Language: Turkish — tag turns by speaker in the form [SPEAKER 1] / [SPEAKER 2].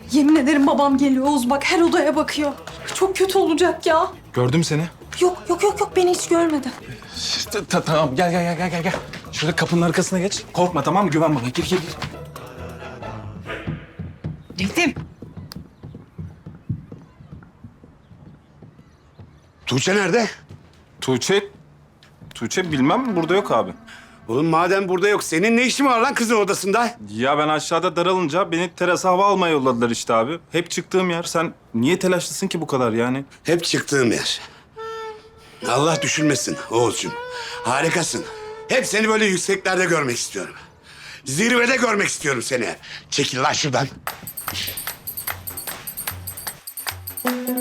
[SPEAKER 1] Yemin ederim babam geliyor Oğuz, bak her odaya bakıyor. Çok kötü olacak ya.
[SPEAKER 2] Gördüm seni.
[SPEAKER 1] Yok beni hiç görmedi.
[SPEAKER 2] Tamam gel. Şurada kapının arkasına geç. Korkma tamam mı? Güven bana. Gir.
[SPEAKER 3] Nedim.
[SPEAKER 4] Tuğçe nerede?
[SPEAKER 2] Tuğçe bilmem burada yok abi.
[SPEAKER 4] Oğlum madem burada yok, senin ne işin var lan kızın odasında?
[SPEAKER 2] Ya ben aşağıda daralınca beni terasa hava almaya yolladılar işte abi. Hep çıktığım yer. Sen niye telaşlısın ki bu kadar yani?
[SPEAKER 4] Hep çıktığım yer. Allah düşürmesin Oğuzcuğum. Harikasın. Hep seni böyle yükseklerde görmek istiyorum. Zirvede görmek istiyorum seni. Çekil lan şuradan.